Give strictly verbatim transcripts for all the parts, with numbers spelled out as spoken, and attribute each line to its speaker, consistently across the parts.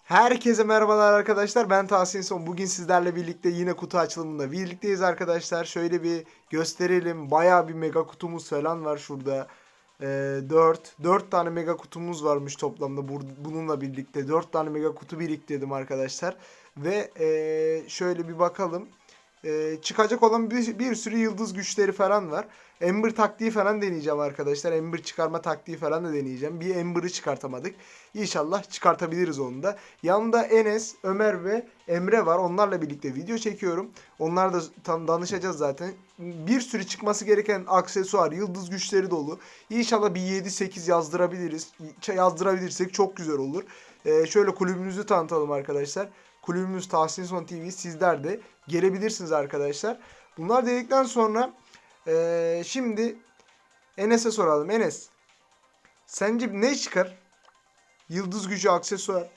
Speaker 1: Herkese merhabalar arkadaşlar. Ben Tahsin Son. Bugün sizlerle birlikte yine kutu açılımında birlikteyiz arkadaşlar. Şöyle bir gösterelim. Bayağı bir mega kutumuz falan var şurada. Ee, dört. dört tane mega kutumuz varmış toplamda. Bununla birlikte dört tane mega kutu biriktirdim arkadaşlar. Ve ee, şöyle bir bakalım. Ee, çıkacak olan bir, bir sürü yıldız güçleri falan var. Ember taktiği falan deneyeceğim arkadaşlar. Ember çıkarma taktiği falan da deneyeceğim. Bir Ember'ı çıkartamadık. İnşallah çıkartabiliriz onu da. Yanımda Enes, Ömer ve Emre var. Onlarla birlikte video çekiyorum. Onlar da tam danışacağız zaten. Bir sürü çıkması gereken aksesuar, yıldız güçleri dolu. İnşallah bir yedi sekiz yazdırabiliriz. Yazdırabilirsek çok güzel olur. Ee, şöyle kulübümüzü tanıtalım arkadaşlar. Kulübümüz Tahsin Son T V. Sizler de gelebilirsiniz arkadaşlar. Bunlar dedikten sonra ee, şimdi Enes'e soralım. Enes, sence ne çıkar? Yıldız gücü aksesuar.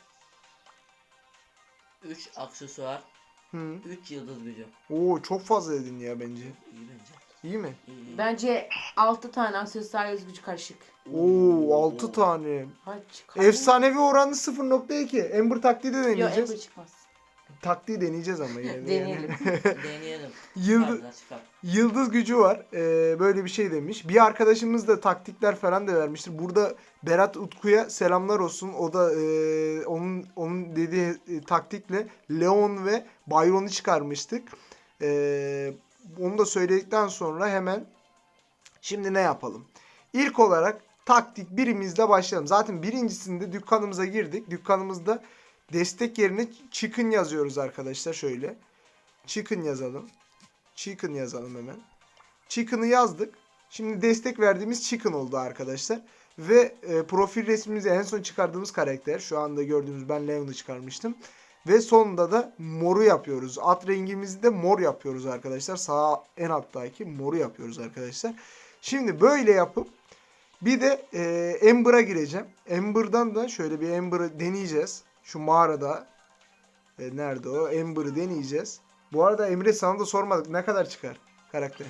Speaker 2: üç aksesuar,
Speaker 1: Hı.
Speaker 2: üç yıldız gücü.
Speaker 1: Oo, çok fazla dedin ya bence.
Speaker 2: İyi bence.
Speaker 1: İyi mi?
Speaker 2: İyi, iyi.
Speaker 3: Bence altı tane aksesuar yıldız gücü karışık.
Speaker 1: Oo, altı tane.
Speaker 3: Hadi çıkar.
Speaker 1: Efsanevi oranı sıfır nokta iki. Ember taktiği de
Speaker 3: Yok,
Speaker 1: deneyeceğiz.
Speaker 3: Ember çıkmaz.
Speaker 1: Taktiği deneyeceğiz ama yine de.
Speaker 3: Deneyelim.
Speaker 2: Deneyelim.
Speaker 1: Yıldız,
Speaker 2: Çıkar, çıkar.
Speaker 1: yıldız gücü var. Ee, böyle bir şey demiş. Bir arkadaşımız da taktikler falan da vermiştir. Burada Berat Utku'ya selamlar olsun. O da e, onun onun dediği e, taktikle Leon ve Byron'u çıkarmıştık. E, onu da söyledikten sonra hemen şimdi ne yapalım? İlk olarak taktik birimizle başlayalım. Zaten birincisinde dükkanımıza girdik. Dükkanımızda destek yerine chicken yazıyoruz arkadaşlar. Şöyle. Chicken yazalım. Chicken yazalım hemen. Chicken'ı yazdık. Şimdi destek verdiğimiz Chicken oldu arkadaşlar. Ve e, profil resmimizi en son çıkardığımız karakter. Şu anda gördüğünüz ben Leon'u çıkarmıştım. Ve sonunda da moru yapıyoruz. At rengimizi de mor yapıyoruz arkadaşlar. Sağ en alttaki moru yapıyoruz arkadaşlar. Şimdi böyle yapıp bir de e, Ember'a gireceğim. Ember'dan da şöyle bir Ember'ı deneyeceğiz. Şu mağarada. E, nerede o? Ember'ı deneyeceğiz. Bu arada Emre sana da sormadık. Ne kadar çıkar karakter?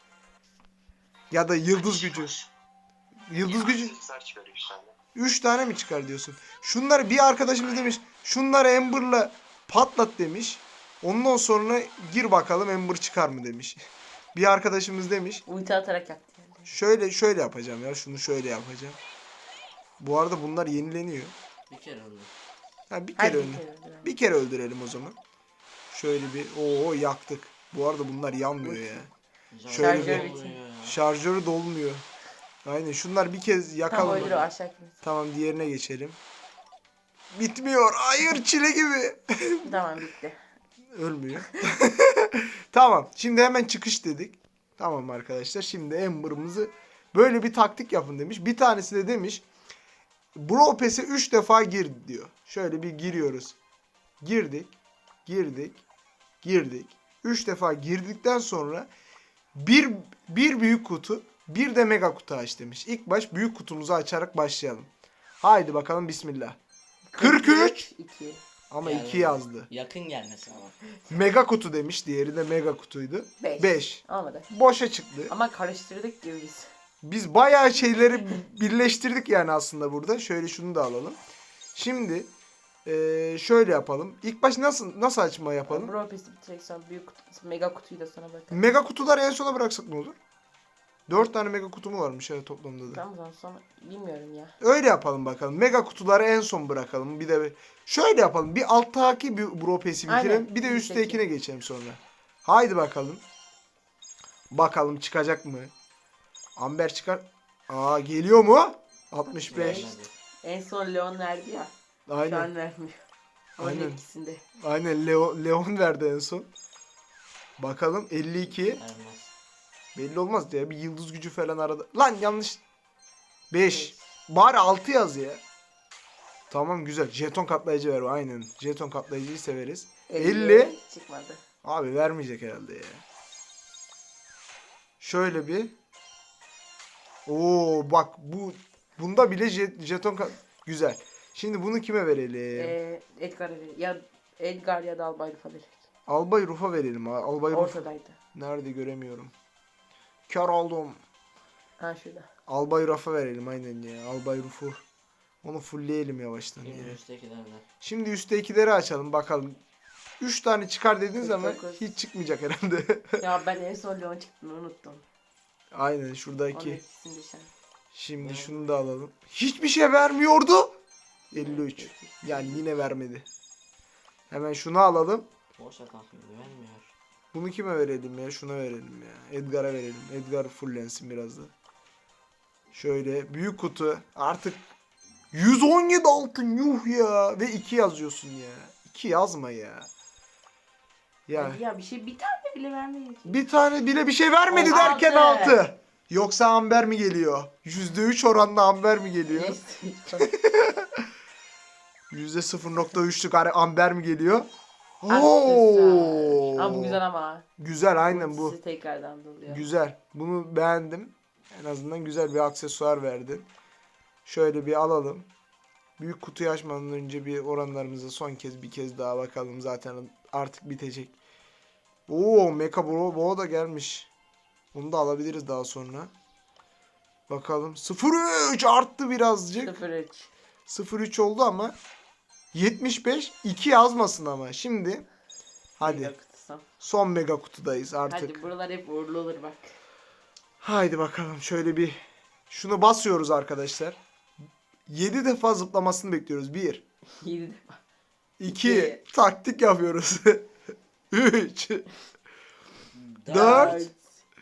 Speaker 1: Ya da yıldız gücü. Yıldız gücü. üç tane mi çıkar diyorsun? Şunları bir arkadaşımız demiş. Şunları Ember'la patlat demiş. Ondan sonra gir bakalım Ember çıkar mı demiş. Bir arkadaşımız demiş.
Speaker 3: Ulti atarak yaptı. Yani.
Speaker 1: Şöyle şöyle yapacağım ya. Şunu şöyle yapacağım. Bu arada bunlar yenileniyor.
Speaker 2: Bir kere oldu.
Speaker 1: Ha, bir
Speaker 3: Hadi
Speaker 1: kere
Speaker 3: bir
Speaker 1: öldür.
Speaker 3: kere öldürelim.
Speaker 1: Bir kere öldürelim o zaman. Şöyle bir oo yaktık. Bu arada bunlar yanmıyor ya. Şöyle
Speaker 3: Şarjör
Speaker 1: bir
Speaker 3: bitti.
Speaker 1: şarjörü dolmuyor. Aynen şunlar bir kez
Speaker 3: Tam
Speaker 1: yakalım.
Speaker 3: öldür o aşağı kimse.
Speaker 1: Tamam diğerine geçelim. Bitmiyor. Hayır çile gibi.
Speaker 3: Tamam bitti.
Speaker 1: Ölmüyor. Tamam. Şimdi hemen çıkış dedik. Tamam arkadaşlar. Şimdi Ember'ımızı böyle bir taktik yapın demiş. Bir tanesi de demiş. Brawl Pass'e üç defa gir diyor. Şöyle bir giriyoruz. Girdik. Girdik. Girdik. üç defa girdikten sonra bir, bir büyük kutu bir de mega kutu aç demiş. İlk baş büyük kutumuzu açarak başlayalım. Haydi bakalım bismillah. kırk üç.
Speaker 3: iki.
Speaker 1: Ama
Speaker 2: Yani
Speaker 1: iki yazdı.
Speaker 2: Yakın gelmesi ama.
Speaker 1: Mega kutu demiş. Diğeri de mega kutuydu.
Speaker 3: beş.
Speaker 1: beş.
Speaker 3: Olmadı.
Speaker 1: Boşa çıktı.
Speaker 3: Ama karıştırdık diyor biz.
Speaker 1: Biz bayağı şeyleri birleştirdik yani aslında burada. Şöyle şunu da alalım. Şimdi eee, şöyle yapalım. İlk baş nasıl nasıl açma yapalım?
Speaker 3: Brawl Pass'i bitirek sonra büyük kutu, mega kutuyu da sana bakalım.
Speaker 1: Mega kutuları en sona bıraksak ne olur? dört tane mega kutu mu varmış evet toplamda da.
Speaker 3: Tamam o zaman sonra bilmiyorum ya.
Speaker 1: Öyle yapalım bakalım. Mega kutuları en son bırakalım. Bir de bir- şöyle yapalım. Bir alttaki bir Brawl Pass'i bitirelim.
Speaker 3: Aynen.
Speaker 1: Bir de
Speaker 3: Üstteki.
Speaker 1: üsttekine geçelim sonra. Haydi bakalım. Bakalım çıkacak mı? Amber çıkar. Aa geliyor mu? altmış beş.
Speaker 2: Gelmedi.
Speaker 3: En son Leon verdi ya. Şu
Speaker 1: Aynen.
Speaker 3: an vermiyor. Onun
Speaker 1: Aynen.
Speaker 3: etkisinde.
Speaker 1: Aynen Leo, Leon verdi en son. Bakalım elli iki.
Speaker 2: Vermez.
Speaker 1: Belli olmaz ya. Bir yıldız gücü falan arada. Lan yanlış. beş. Bari altı yaz ya. Tamam güzel. Jeton katlayıcı ver. Aynen. Jeton katlayıcıyı severiz. elli.
Speaker 3: Çıkmadı.
Speaker 1: Abi vermeyecek herhalde ya. Şöyle bir. Oo bak bu bunda bile jet, jeton kat... Güzel. Şimdi bunu kime verelim?
Speaker 3: Ee, Edgar ya Edgar ya da Albay Rufa verecek.
Speaker 1: Albay Ruf'a verelim. ha. Albay Ruf.
Speaker 3: Ortadaydı.
Speaker 1: Nerede göremiyorum. Kör oldum.
Speaker 3: Ha şurada.
Speaker 1: Albay Ruf'a verelim aynen ya. Albay Ruf'u. Onu fullleyelim yavaştan.
Speaker 2: Şimdi
Speaker 1: ya.
Speaker 2: üsttekilerden.
Speaker 1: Şimdi üsttekileri açalım bakalım. üç tane çıkar dediğin zaman
Speaker 3: kırk dokuz.
Speaker 1: hiç çıkmayacak herhalde.
Speaker 3: Ya ben en son Leon çıktığını unuttum.
Speaker 1: Aynen
Speaker 3: Onun
Speaker 1: şuradaki.
Speaker 3: ikisini düşen.
Speaker 1: Şimdi
Speaker 2: Ne?
Speaker 1: şunu da alalım. Hiçbir şey vermiyordu. elli üç. Yani yine vermedi. Hemen şunu alalım.
Speaker 2: Boşa takmıyor. Vermiyor.
Speaker 1: Bunu kime verelim ya? Şuna verelim ya. Edgar'a verelim. Edgar fullensin biraz da. Şöyle büyük kutu. Artık yüz on yedi altın yuh ya. Ve iki yazıyorsun ya. iki yazma ya. Ya
Speaker 3: Hadi ya bir şey bir tane bile vermeyecek.
Speaker 1: bir tane bile bir şey vermedi
Speaker 3: Altı.
Speaker 1: derken altı. Yoksa amber mi geliyor? yüzde üç oranla amber mi geliyor? yüzde sıfır nokta üçlük hani amber mi geliyor? Oo.
Speaker 3: Ama bu güzel ama.
Speaker 1: Güzel aynen bu.
Speaker 3: Sizi tekrardan doluyor.
Speaker 1: Güzel. Bunu beğendim. En azından güzel bir aksesuar verdin. Şöyle bir alalım. Büyük kutuyu açmadan önce bir oranlarımıza son kez bir kez daha bakalım. Zaten artık bitecek. Oo, Mecha Bro Bo da gelmiş. Onu da alabiliriz daha sonra. Bakalım. sıfır üç arttı birazcık.
Speaker 3: sıfır üç.
Speaker 1: sıfır üç oldu ama yetmiş beş iki yazmasın ama. Şimdi hadi
Speaker 3: Mega kutusu.
Speaker 1: son mega kutudayız artık.
Speaker 3: Hadi buralar hep uğurlu olur bak.
Speaker 1: Haydi bakalım şöyle bir şunu basıyoruz arkadaşlar. yedi defa zıplamasını bekliyoruz. bir,
Speaker 3: yedi defa.
Speaker 1: iki,
Speaker 3: İki.
Speaker 1: taktik yapıyoruz. üç, dört,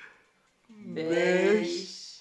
Speaker 1: beş,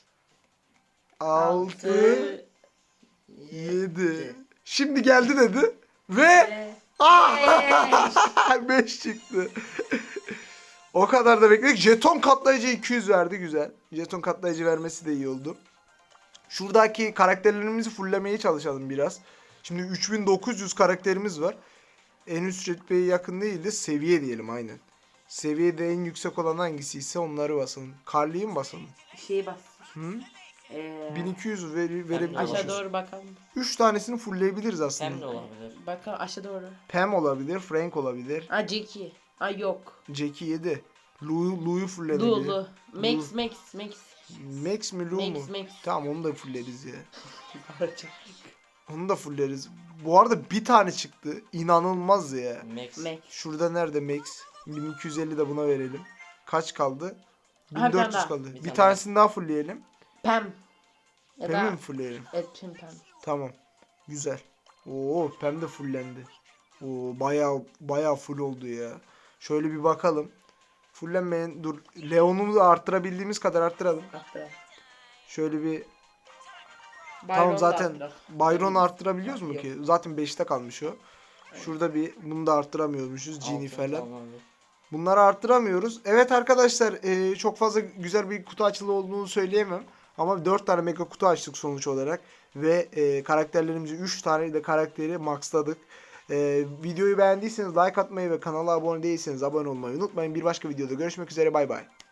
Speaker 1: altı, yedi. Şimdi geldi dedi ve ah! beş çıktı. O kadar da bekledik. Jeton katlayıcı iki yüz verdi. Güzel. Jeton katlayıcı vermesi de iyi oldu. Şuradaki karakterlerimizi fulllemeye çalışalım biraz. Şimdi üç bin dokuz yüz karakterimiz var. En üst rütbeye yakın değil de seviye diyelim aynen. Seviyede en yüksek olan hangisi ise onları basalım. Karlıyı mı basalım?
Speaker 3: Şeyi bas.
Speaker 1: Hı?
Speaker 3: Ee,
Speaker 1: bin iki yüz veri, verebiliyoruz.
Speaker 3: aşağı doğru bakalım.
Speaker 1: üç tanesini fullleyebiliriz
Speaker 2: Hem de
Speaker 1: aslında.
Speaker 2: olabilir.
Speaker 3: Bakalım aşağı doğru.
Speaker 1: Pam olabilir, Frank olabilir.
Speaker 3: Aa Jackie. Aa yok.
Speaker 1: Jackie yedi. Lou'yu Lou'yu fullenebilir.
Speaker 3: Lu Lu. Max Max Max.
Speaker 1: Max mi Lou mu?
Speaker 3: Max Max.
Speaker 1: Tamam onu da fulleriz ya. Onu da fulleriz. Bu arada bir tane çıktı. İnanılmaz ya.
Speaker 2: Max.
Speaker 3: Max.
Speaker 1: Şurada nerede Max? bin iki yüz elli de buna verelim. Kaç kaldı?
Speaker 3: Ha, bir tane
Speaker 1: bin dört yüz
Speaker 3: daha.
Speaker 1: kaldı.
Speaker 2: Bir
Speaker 1: Bir,
Speaker 2: tane
Speaker 1: tanesini daha fullleyelim.
Speaker 3: Pam. Ya
Speaker 1: Pam'i
Speaker 3: da
Speaker 1: mi fullleyelim?
Speaker 3: evet Pam Pam.
Speaker 1: Tamam. Güzel. Oo, Pam de fullendi. Oo, bayağı bayağı full oldu ya. Şöyle bir bakalım. Fullenmeyen dur. Leon'u da arttırabildiğimiz kadar arttıralım.
Speaker 3: Hatta.
Speaker 1: Şöyle bir
Speaker 3: Byron
Speaker 1: tamam
Speaker 3: da
Speaker 1: zaten
Speaker 3: hatta.
Speaker 1: Byron arttırabiliyoruz mu
Speaker 3: Yok.
Speaker 1: ki? Zaten beşte kalmış o. Şurada bir bunu da arttıramıyormuşuz. Genie
Speaker 2: Altın
Speaker 1: falan.
Speaker 2: tamamdır.
Speaker 1: Bunları arttıramıyoruz. Evet arkadaşlar e, çok fazla güzel bir kutu açılı olduğunu söyleyemem. Ama dört tane mega kutu açtık sonuç olarak. Ve e, karakterlerimizi üç tane de karakteri maxladık. E, videoyu beğendiyseniz like atmayı ve kanala abone değilseniz abone olmayı unutmayın. Bir başka videoda görüşmek üzere bay bay.